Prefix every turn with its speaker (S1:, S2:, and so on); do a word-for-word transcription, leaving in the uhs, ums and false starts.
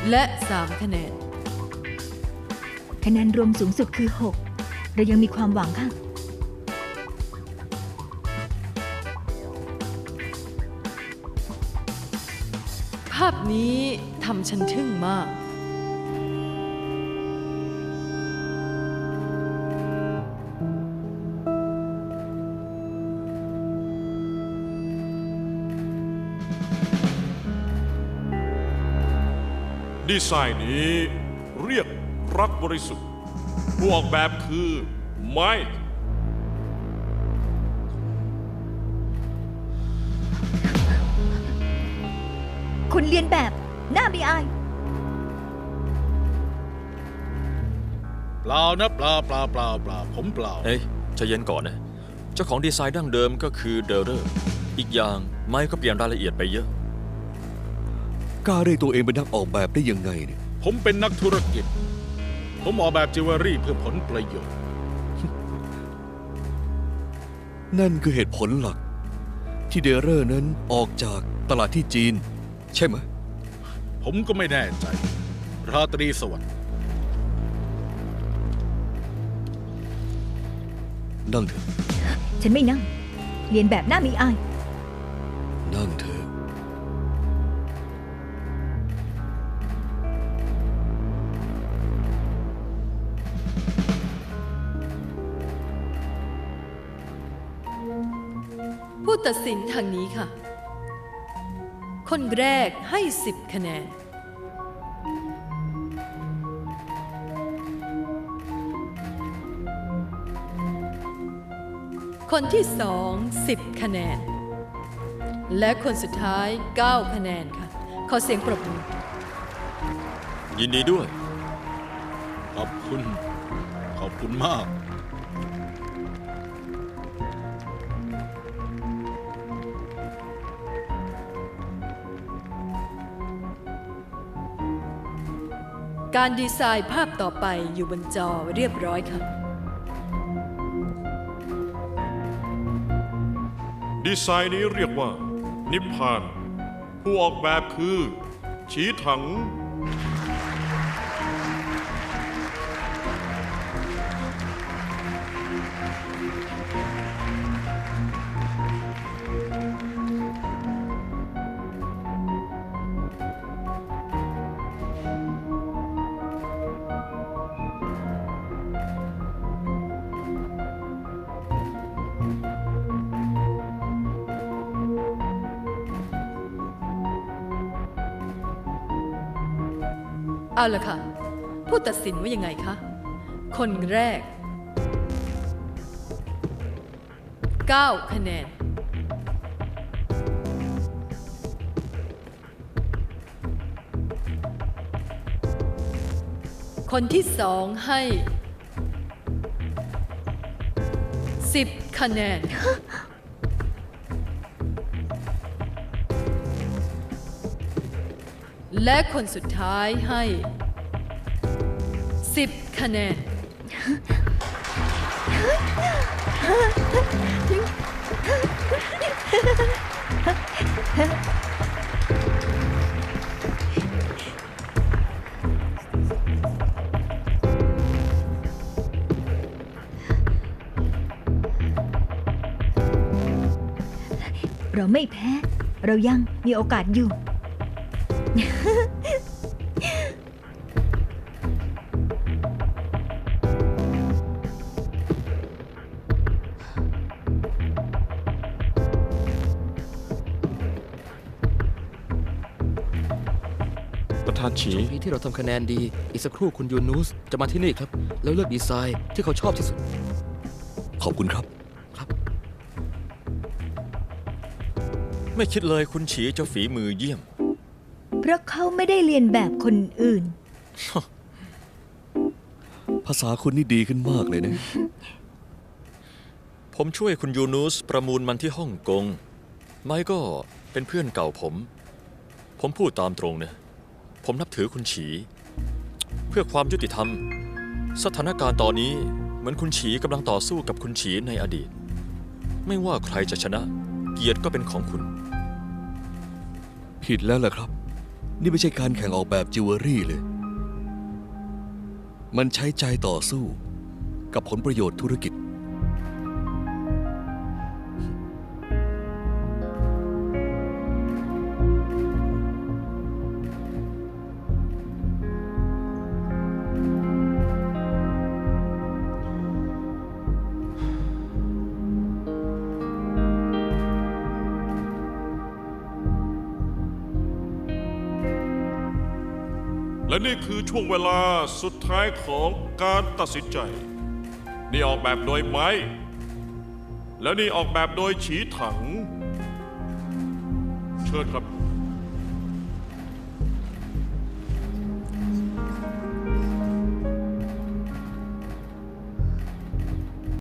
S1: และสามคะแนน
S2: คะแนนรวมสูงสุดคือหกเรายังมีความหวังค่ะ
S1: ภาพนี้ทำฉันทึ่งมาก
S3: ดีไซน์นี้เรียกรักบริสุทธิ์ผู้ออกแบบคือไมค์
S2: คุณเรียนแบบหน้าไม่อาย
S4: เปล่านะเปล่าเปล่าเปล่าเปล่าผมเปล่า
S5: เฮ้ยใจเย็นก่อนนะเจ้าของดีไซน์ดั้งเดิมก็คือเดลเลอร์อีกอย่างไมค์ก็เปลี่ยนรายละเอียดไปเยอะ
S6: กล้าเรียกตัวเองเป็นนักออกแบบได้ยังไงเนี่ย
S4: ผมเป็นนักธุรกิจผมออกแบบจิวเวลรี่เพื่อผลประโยชน์
S6: นั่นคือเหตุผลหลัก ที่เดเรอร์นั้นออกจากตลาดที่จีนใช่ไหม
S4: ผมก็ไม่แน่ใจราตรีสวัสดิ์
S6: นั่งเถอะ
S2: ฉันไม่นั่งเรียนแบบหน้าไม่อาย
S6: นั่งเถอะ
S1: ผู้ตัดสินทางนี้ค่ะคนแรกให้สิบคะแนนคนที่สองสิบคะแนนและคนสุดท้ายเก้าคะแนนค่ะขอเสียงปรบมือ
S5: ยินดีด้วย
S4: ขอบคุณขอบคุณมาก
S1: การดีไซน์ภาพต่อไปอยู่บนจอเรียบร้อยค่ะ
S3: ดีไซน์นี้เรียกว่านิพพานผู้ออกแบบคือฉีถัง
S1: เอาละค่ะผู้ตัดสินว่ายังไงคะคนแรกเก้าคะแนนคนที่สองให้สิบคะแนนและคนสุดท้ายให้สิบคะแนน
S2: เราไม่แพ้เรายังมีโอกาสอยู่
S5: ประธานฉี
S7: ช่วงนี้ที่เราทำคะแนนดีอีกสักครู่คุณยูนูสจะมาที่นี่ครับแล้วเลือกดีไซน์ที่เขาชอบที่สุด
S6: ขอบคุณครับ
S7: ครับ
S5: ไม่คิดเลยคุณฉีจะฝีมือเยี่ยม
S2: เพราะเขาไม่ได้เรียนแบบคนอื่น
S6: ภาษาคุณนี่ดีขึ้นมากเลยนะ
S5: ผมช่วยคุณยูนูสประมูลมันที่ฮ่องกงไมค์ก็เป็นเพื่อนเก่าผม ผมพูดตามตรงนะผมนับถือคุณฉีเพื่อความยุติธรรมสถานการณ์ตอนนี้เหมือนคุณฉีกำลังต่อสู้กับคุณฉีในอดีตไม่ว่าใครจะชนะเกียรติก็เป็นของคุณ
S6: ผิดแล้วล่ะครับนี่ไม่ใช่การแข่งออกแบบจิวเวลรี่เลย มันใช้ใจต่อสู้กับผลประโยชน์ธุรกิจ
S3: และนี่คือช่วงเวลาสุดท้ายของการตัดสินใจ นี่ออกแบบโดยไม้ และนี่ออกแบบโดยฉีถัง เชิญครับ